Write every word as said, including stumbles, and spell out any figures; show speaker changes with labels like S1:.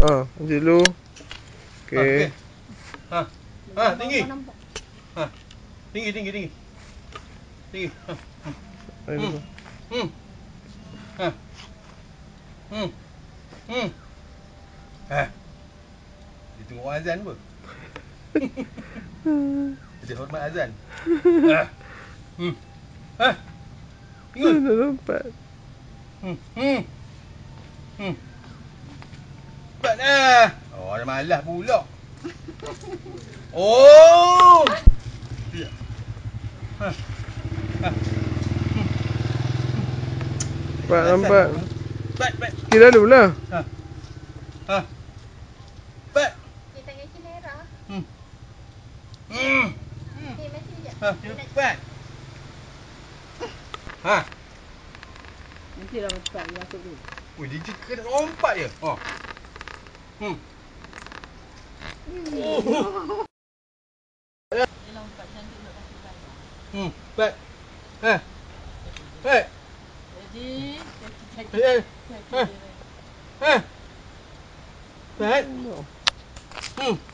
S1: Ha, macam dulu. Okey.
S2: Ha. Ha, tinggi. Ha. Tinggi, tinggi, tinggi. Tinggi. Ha. Hmm. Hmm. Ha. Hmm. Hmm. Ha. Dia tengok orang azan apa? Dia hormat azan. Ha. Hmm. Ha. Ingat.
S1: Dah lompat.
S2: Hmm. Hmm. Hmm. Cepat dah. Oh, dah malas pula. Oh. Ya. Ha. Ha. Hmm.
S1: Cepat nampak.
S2: Cepat, cepat.
S1: Kira dulu lah.
S2: Ha. Ha. Cepat.
S3: Kita tangan Cinera.
S2: Hmm. Hmm.
S3: Okey, mati sekejap.
S2: Ha, cepat. Ha.
S4: Nanti dah cepat dia masuk dulu.
S2: Ui, dia je kena lompat je. Oh. Hmm. Oh.
S4: Dia lompat cantik nak kasih bayar.
S2: Hmm, cepat. Ha. Cepat.
S4: Jadi, kaki-kaki.
S2: Eh,
S4: Kaki
S2: Ha.
S4: dia.
S2: Ha. Cepat. Hmm.